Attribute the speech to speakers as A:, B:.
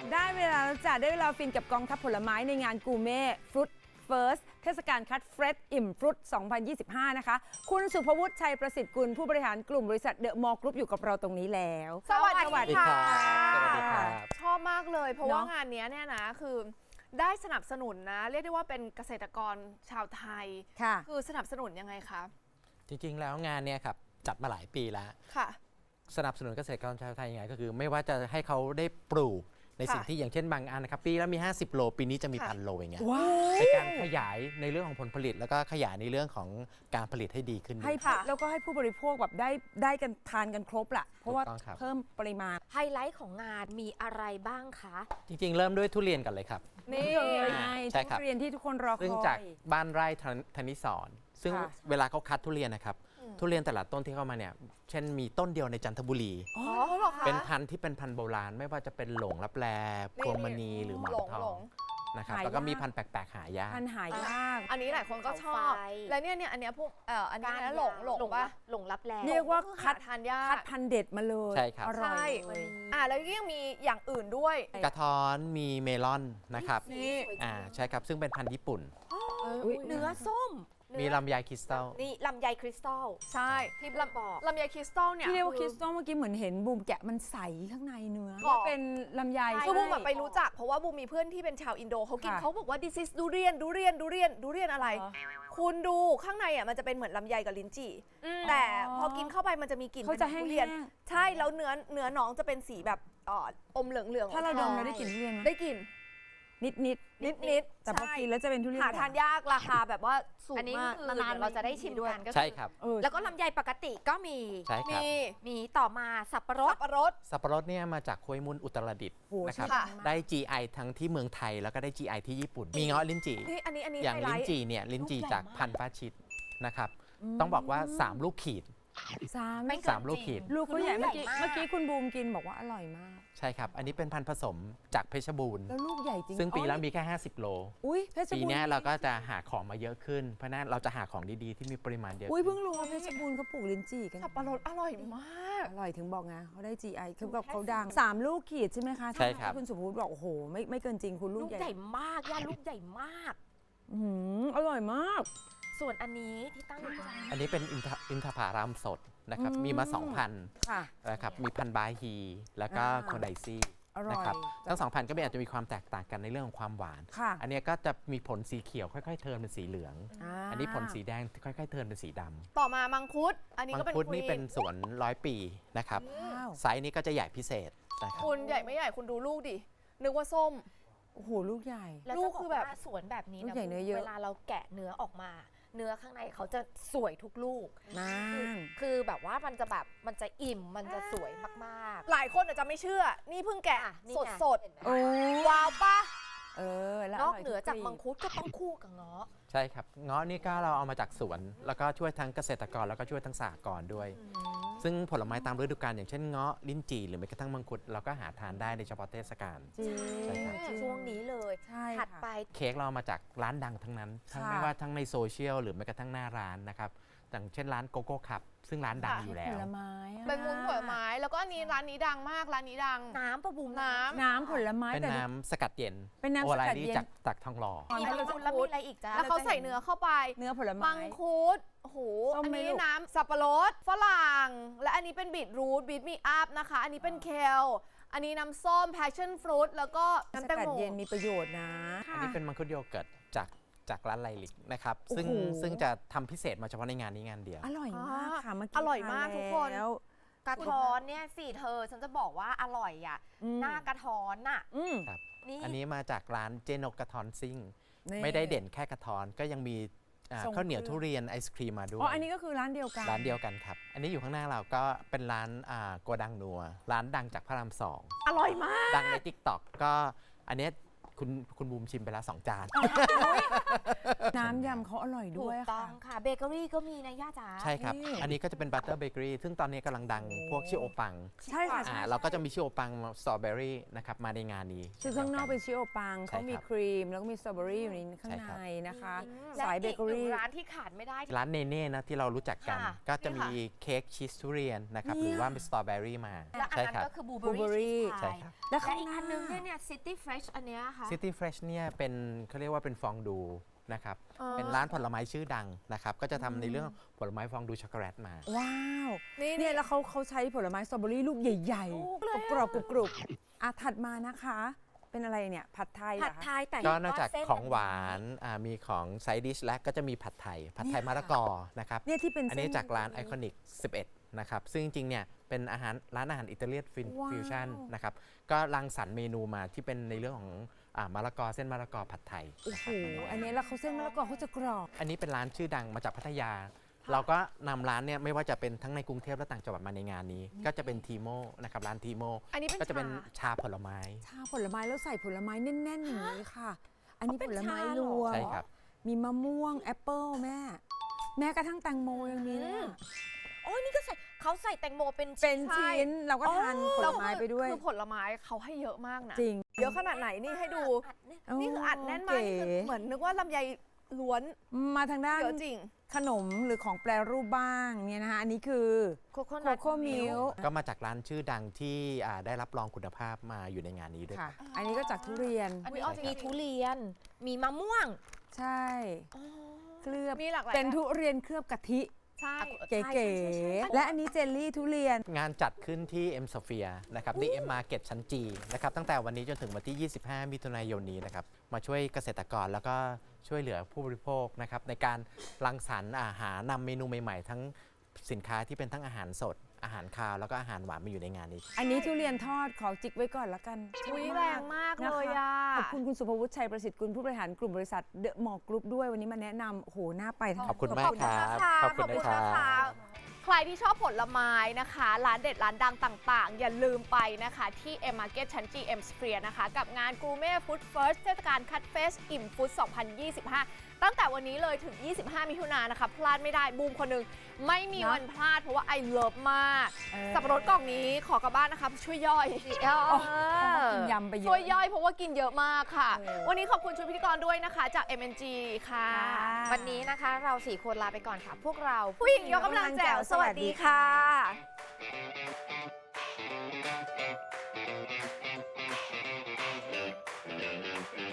A: ได้เวลาแล้วจ้ะได้เวลาฟินกับกองทัพผลไม้ในงานกูเม่ฟรุตเฟิร์สเทศกาลคัดเฟรชอิ่มฟรุต 2025 นะคะคุณสุภวุฒิชัยประสิทธิ์กุลผู้บริหารกลุ่มบริษัทเดอะมอลล์กรุ๊ปอยู่กับเราตรงนี้แล้ว
B: สวัสดีค่ะ
C: สวัสดีครับ
B: ชอบมากเลยเพราะว่างานนี้เนี่ยนะคือได้สนับสนุนนะเรียกได้ว่าเป็นเกษตรกรชาวไทย
A: ค่ะ
B: คือสนับสนุนยังไงคะ
C: จริงๆแล้วงานเนี่ยครับจัดมาหลายปีแล้ว
B: ค่ะ
C: สนับสนุนเกษตรกรชาวไทยยังไงก็คือไม่ว่าจะให้เขาได้ปลูกในสิ่ง
B: ค่ะ
C: ที่อย่างเช่นบางอันนะครับปีแล้วมี 50 โล ปีนี้จะมี
B: ค่ะ
C: 1,000 โลอย่างเงี้ย
A: ว้าว
C: เป็นการขยายในเรื่องของผลผลิต แล้วก็ขยายในเรื่องของการผลิตให้ดีขึ้น
A: ให้
C: ด้วย
A: แล้วก็ให้ผู้บริโภคแบบได้กันทานกันครบละเพราะว่า
C: ถูกต้องครับ
A: เพิ่มปริมาณ
D: ไฮไลท์ของงานมีอะไรบ้างคะ
C: จริงๆ เริ่มด้วยทุเรียนกันเลยครับ
B: นี่
A: เลยไง
C: ใช่ครับ
A: ทุเรียนที่ทุกคนรอค
C: ซึ่ง
A: อ
C: จาก
A: ย
C: บ้านไร่ธนิสรซึ่ง
A: ค่ะ
C: เวลาเขาคัดทุเรียนนะครับทุเรียนแต่ละต้นที่เข้ามาเนี่ยเช่นมีต้นเดียวในจันทบุรี
B: อ๋อเหรอคะ
C: เป็นพันธุ์ที่เป็นพันธุ์โบราณไม่ว่าจะเป็นหลงลับแลพวงมณีหรือหมอนท
B: หล
C: อง
B: ง
C: นะครับ
A: หายาก
C: แล้วก็มีพันธุ์แปลกๆหายาก
A: พันหายาก
B: อันนี้หลายคนก็ชอบ
D: เขาไฟ
B: แล้วเนี่ยอันเนี้ยพวกอันนี้นะหลงปะ
D: หลงรับแล
A: เรียกว่า
B: คัดทานยา
A: คั
B: ก
A: ดพันธุ์เด็ดมาเลย
C: ใช่ครับ
A: อร่อย
B: ใช่
A: เลย
B: แล้วก็ยังมีอย่างอื่นด้วย
C: กระท้อนมีเมลอนนะครับ
B: นี่
C: ใช่ครับซึ่งเป็นพันธุ์ญี่ปุ่น
A: อุ๊ย
D: เนื้อส้ม
C: มีลำไยคริสตัล
D: นี่ลำไยคริสตัล
B: ใช่ที่
D: บอก
B: ลำไยคริสตัลเนี่ย
A: ที่เรียกว่าคริสตัลเมื่อกี้เหมือนเห็นบูมแกะมันใสข้างในเนื้อ
B: บอก
A: เป็นลำไย
B: คือบูมแบบไปรู้จักเพราะว่าบูมมีเพื่อนที่เป็นชาวอินโดเขากิน
A: ค่ะ
B: เขาบอกว่า this is ดูเรียนอะไร คุณดูข้างในอ่ะมันจะเป็นเหมือนลำไยกับลิ้นจี่แต่พอกินเข้าไปมันจะมีกลิ่น
A: เขาจะ
B: ป็น
A: แห้
B: ทุ
A: ง
B: เรียนใช่แล้วเนื้อน้องจะเป็นสีแบบอมเหลืองๆ
A: ถ้าเราดมเรา
B: ท
A: ได้กลิ่นทุเรียนไหม
B: ได้กลิ่น
A: นิด
B: นิดๆ
A: แต่พอ
B: ใช่
A: กินแล้วจะเป็นทุเรียน
B: หาทานยากราคาแบบว่าสูง
D: อันนี้
B: มาก
D: คือน
B: านๆ
D: เราจะได้ชิม
B: ด้วย
D: กันก็
C: ใช่
D: คือ
C: ครับ
D: แล้วก็ลำไยปกติก็มี
C: ใช่ค
B: มี
C: รับ
D: มีต่อมาสับปะร
B: สั
D: ด
B: บปะรด
C: สับปะรดเนี่ยมาจากห้วยมุนอุตรดิตถ์
A: โอ้โห
C: นะครับ
B: ค่ะ
C: ได้ GI ทั้งที่เมืองไทยแล้วก็ได้ GI ที่ญี่ปุ่น มีเงาะลิ้นจี่
B: นี่อันนี้
C: อย่าง
B: ไฮไล
C: ลิ้น
B: ท์
C: จี่เนี่ยลิ้นจี่จากพันธุ์ฟ้าชิดนะครับ
A: ม
C: ต้องบอกว่า 3 ลูกขีด
A: สาม
D: ไม่
A: ลูก
D: เกิน
C: 3 ลูกขีด
A: ลูกเขาใหญ่
D: ลูก
A: เมื่อ
D: ใหญ่
A: กี้
D: มาก
A: เมื่อกี้คุณบูมกินบอกว่าอร่อยมาก
C: ใช่ครับ อันนี้เป็นพันธุ์ผสมจากเพชรบูรณ์
A: แล้วลูกใหญ่จริง
C: ซึ่งปีแล้ว
A: อ๋อ
C: มีแค่ 50 โล
A: อุ้ยเพชร
C: ปี
A: บูรณ์
C: เนี้ยเราก็จะหาของมาเยอะขึ้น เพราะฉะนั้นเราจะหาของดีๆ ที่มีปริมาณเยอะ
A: อุ้ย
C: ขึ้น
A: เพิ่งรู้ว่าเพชรบูรณ์เขาปลูกลิ้นจี่กัน
B: สับปะรดอร่อยมาก
A: อร่อยถึงบอกไงเขาได้ GI คือแบบเขาดัง3 ลูกขีดใช่ไหมคะ
C: ใช่ครับ
A: ที่คุณสุภวุฒิบอกโอ้โหไม่เกินจริงคุณลู
D: ลู
A: ก
D: ก
A: ให
D: ให
A: ญ่
D: ญ่มากย่าลูกใหญ่มาก
A: อร่อยมาก
D: ส่วนอันนี้ที่ตั้งอยู่ตรงนี้
C: อันนี้เป็นอินทผลัมสดนะครับ
A: อืม
C: มีมา 2 พันธุ์
A: ค่ะ
C: นะครับ มีพันธุ์บาฮี แล้วก็
A: อ่า
C: โคไดซี่
A: อร่อย
C: นะครับ ทั้ง 2 พันธุ์ก็อาจจะมีความแตกต่างกันในเรื่องของความหวาน
A: ค่ะ
C: อันเนี้ยก็จะมีผลสีเขียวค่อยๆเทิร์นเป็นสีเหลือง อันนี้ผลสีแดงค่อยๆเทิร์นเป็นสีดำ
B: ต่อมามังคุด อันนี้
C: มั
B: ก็
C: ง
B: เป็น
C: คุดนี่
B: ควี
C: เป็นสวน100 ปีนะครับ
A: ว้าว
C: ไซส์นี้ก็จะใหญ่พิเศษนะครับ
B: คุณใหญ่ไม่ใหญ่คุณดูลูกดิ นึกว่าส้ม
A: โอ้โหลูกใหญ่
D: แล้ว
B: ลู
D: จะ
B: ก
D: บอ
B: คื
D: ก
B: อแบบ
D: ว่าสวนแบบนี้
A: ลู
D: นะ
A: กใหญ่เนื้อเยอะ
D: เวลาเราแกะเนื้อออกมา เนื้อข้างในเขาจะสวยทุกลูก
A: นั่น
D: คือแบบว่ามันจะแบบมันจะอิ่มมันจะสวยมาก
B: หลายคนอาจจะไม่เชื่อ นี่เพิ่งแกะ
D: อ่ะนี่
B: สด
D: ไง
B: สด
D: เห็นไหม
A: โอ้
B: ว้าวปะ
A: แล้ว
D: นอก
A: ร่ย
D: เหนือจาก
A: ทุ
D: มังคุดก็ต้องคู่กับเงาะ
C: ใช่ครับ เงาะนี่ก็เราเอามาจากสวน แล้วก็ช่วยทั้งเกษตรกรแล้วก็ช่วยทั้งสหกรณ์ด้วย ซึ่งผลไม้ตามฤดูกาลอย่างเช่นเงาะลิ้นจี่หรือแม้กระทั่งมังคุดเราก็หาทานได้ในเฉพาะเทศกาล
A: จริง
C: ใช่ครับ
A: จริ
D: ช่วงนี้เลย
A: ใช่
D: ถัด
A: ค่ะ
D: ไป
C: เค้กเรามาจากร้านดังทั้งนั้น ทั้ง
A: ค่ะ
C: ไม่ว่าทั้งในโซเชียลหรือแม้กระทั่งหน้าร้านนะครับอย่างเช่นร้านโกโก้คัพซึ่งร้านดังอยู่แล้
A: ผ
C: ว
A: ลไม้อะ
B: เป็นมุ้งผลไม้ แล้วก็อันนี้ร้านนี้ดังมาก ร้านนี้ดัง
D: น้ำประบุม
B: น้ำ
A: น้ำผลไม้
C: เป็น
A: แต่
C: น้ำสกัดเย็น
A: เป็นน้ำ
C: โอ
A: ส
C: ไล
A: กัด
C: ลี่
A: เย็น
C: จากทองหล่อ
D: มีมังคุดแล้วมีอะไรอีกจ้า
B: แล้วเขาใส่เนื้อเข้าไป
A: เนื้อผลไม้
B: มังคุดโอ้โห
A: ส้ม
B: อัน
A: ไหม
B: นี้
A: ลูก
B: น้ำสับปะรดฝรั่ง และอันนี้เป็นบีทรูทบีทมีอัพนะคะ อันนี้เป็นเคล อันนี้น้ำส้ม passion fruit แล้วก็
A: ส
B: น้ำแตง
A: กัด
B: โม
A: เย็นมีประโยชน์นะ
C: อันนี้เป็นมังคุดโยเกิร์ตจากร้านไลลิกนะครับ
A: โอ้โห
C: ซึ่งจะทำพิเศษมาเฉพาะในงานนี้งานเดียว
A: อร่อยมากค่ะเมื่อกี้
B: อร่อยมาก
A: ทน
B: ทุกคน
A: แล้ว
D: กระท้อนเนี่ยสิเธอฉันจะบอกว่าอร่อยอ่ะ
A: อืม
D: หน้ากระท้อนน่ะ
A: อืม
C: ครับ
D: นี่
C: อันนี้มาจากร้านเจนกกระทอนซิ่ง
A: นี่
C: ไม่ได้เด่นแค่กระทอนก็ยังมี
A: ส่ง
C: ข้าวเหนียว
A: เครื่อง
C: ทุเรียนไอศครีมมาด้วย
A: อ๋ออันนี้ก็คือร้านเดียวกัน
C: ร้านเดียวกันครับ อันนี้อยู่ข้างหน้าเราก็เป็นร้านโกดังนัวร้านดังจากพระราม 2
B: อร่อยมาก
C: ดังใน TikTok ก็อันเนี้ยคุณบูมชิมไปแล้ว2 จาน
A: น้ำยำเขาอร่อย
D: ถู
A: ด้วย
D: กต้อ
A: ค่ะ
D: งค่ะเบเกอรี่ก็มีนะย่าจ๋า
C: ใช่ครับ
A: นี่
C: อันนี้ก็จะเป็นบัตเตอร์เบเกอรี่ซึ่งตอนนี้กำลังดังพวกชิโอปัง
A: ใช่ค่ะใช่
C: เราก็จะมีชิโอปังสตรอเบอรี่นะครับมาในงานนี้
A: คือข้างนอกเป็นชิโอปัง
C: ใช่
A: เขามี
C: ครับ
A: ครีม แล้วก็มีสตรอเบอรี่อยู่ในข้าง
C: ใช่ครับ
A: ในนะคะ
D: และ
A: สายเบ
D: อีก
A: เกอ
D: หนึ่ง
A: รี่
D: ร้านที่ขาดไม่ได้
C: ร้านเนเน่นะที่เรารู้จักกัน
D: ค่ะ
C: ก็จะมี
B: นี่ค่ะ
C: เค้กชีสทุเรียนนะครับ
A: เนี่ย
C: หรือว่ามีสตรอเบอรี่มา
D: และอัน
C: ใช่
D: นั้น
C: ครับ
D: ก็คือบลูเบอ
A: Blueberry
D: รี่ชีส
C: ใช่
D: พาย
C: ครับ
A: และ
D: และ
A: ข้าง
D: อีก
A: หน้า
D: อันนึงเนี่ย City Fresh อันเนี้ยค่ะ
C: City Fresh เนี่ยเป็นเขาเรียกว่าเป็นฟองดูนะครับ เป็นร้านผลไม้ชื่อดังนะครับ ก็จะทำในเรื่องผลไม้ฟองดูช็อกโกแลตมา
A: ว้าว
B: นี่
A: เนี่ยแล้วเขาใช้ผลไม้สตรอเบอรี่ลูกใหญ่ๆกรอบๆกรุบๆถัดมานะคะ เป็นอะไรเนี่ย ผัดไทยเหร
D: ผั
A: อ
D: ด
A: คะ
D: ไทยแต่
C: ก็นอกจาก
D: เส้
C: ของหวานมีของไซดิชและก็จะมีผัดไทย
A: เนี่ย
C: มะละกอนะครับ
A: เนี่ยที่เป็น
C: อันนี้
A: เส้
C: จากร้านไอคอนิก11 นะครับ ซึ่งจริงๆ เนี่ยเป็นร้านอาหารอิตาเลียน
A: ว้าว
C: ฟิวชั่นนะครับ ก็รังสรรค์เมนูมาที่เป็นในเรื่องของมะละกอเส้นมะละกอผัดไทย
A: โอ้โห อันนี้แล้วเขาเส้นมะละกอเขาจะกรอบ
C: อันนี้เป็นร้านชื่อดังมาจากพัทยา เราก็นำร้านเนี่ยไม่ว่าจะเป็นทั้งในกรุงเทพและต่างจังหวัดมาในงานนี้ ก็จะเป็นทีโมนะครับร้านทีโม
B: อันนี้เป็น
C: ก็จะเป็น
B: ชา
C: ชาผลไม้
A: ชาผลไม้แล้วใส่ผลไม้แน่นๆอย่างนี้ค่ะ อันนี้
D: เป็น
A: ผลไม้
D: ชาร เหรอ
A: วม
C: ใช่ครับ
A: มีมะม่วงแอปเปิลแม่กระทั่งแตงโมยังมีเนี่ย
D: โอ้ยนี่ก็ใส่เขาใส่แตงโมเป็น
A: เป็น
B: ใช่
A: ชิ้นเราก็ทานผลไม้ไปด้วย
B: คือผลไม้เขาให้เยอะมากนะ
A: จริง
B: เยอะขนาดไหนนี่ให้ดู
D: อัดเนี่ย
B: นี่คืออัดแน่นมากนี่คือเหมือนนึกว่าลำไยล้วน
A: มาทางด้าน
B: เยอะจริง
A: ขนมหรือของแปรรูปบ้างเนี่ยนะคะอันนี้คือ
D: โคโค
A: โค
D: นัท
A: โค่มิล
C: ก็มาจากร้านชื่อดังที่ได้รับรองคุณภาพมาอยู่ในงานนี้ด้วย
A: ค่ะ อันนี้ก็จากทุเรียน
D: อันนี้
B: อุ๊ย
D: มีทุเรียน มีมะม่วง
A: ใช่เคลือบ
B: มีหลากหลาย
A: เป็นทุเรียนเคลือบกะทิ
B: ใช่
A: เก๋ๆและอันนี้เจลลี่ทุเรียน
C: งานจัดขึ้นที่ M Sphere นะครับ The M Market ชั้นจีนะครับตั้งแต่วันนี้จนถึงวันที่ 25 มิถุนายนนี้นะครับมาช่วยเกษตรกรแล้วก็ช่วยเหลือผู้บริโภคนะครับในการรังสรรค์หานำเมนูใหม่ๆ ทั้งสินค้าที่เป็นทั้งอาหารสด อาหารคาวแล้วก็อาหารหวานมาอยู่ในงานนี้
A: อันนี้ทุเรียนทอดขอจิกไว้ก่อนละกัน
B: อุ้ยแรงมากเลยอ่ะ
A: ขอบคุณคุณสุภวุฒิชัยประสิทธิ์กุลผู้บริหารกลุ่มบริษัทเดอะมอลล์กรุ๊ปด้วยวันนี้มาแนะนำโอ้โหน่าไปทั้ง
C: ขอบคุณมากครับ
B: ขอบคุณนะคะใครที่ชอบผลไม้นะคะ ร้านเด็ดร้านดังต่างๆ อย่าลืมไปนะคะที่ M Market ชั้น GM Sphere นะคะ กับงาน Gourmet Food First เทศกาลคัดเฟสอิ่มฟุต 2025 ตั้งแต่วันนี้เลยถึง 25 มิถุนายนนะคะ พลาดไม่ได้บูมคนหนึ่งไม่มีวันพลาดเพราะว่าไอเลิฟมาก สับปะรดกล่องนี้ขอกลับบ้านนะคะช่วยย่อย
A: กินยำไปเยอะ
B: ช่วยย่อยเพราะว่ากินเยอะมากค่ะ
A: เออ
B: วันนี้ขอบคุณชุดพิธีกรด้วยนะคะ จาก MNG ค่ะ
D: วันนี้นะคะเรา4คนลาไปก่อนค่ะ พวกเรา
B: ผู้หญิงยกกำลังแจ๋วสวัสดีค่ะ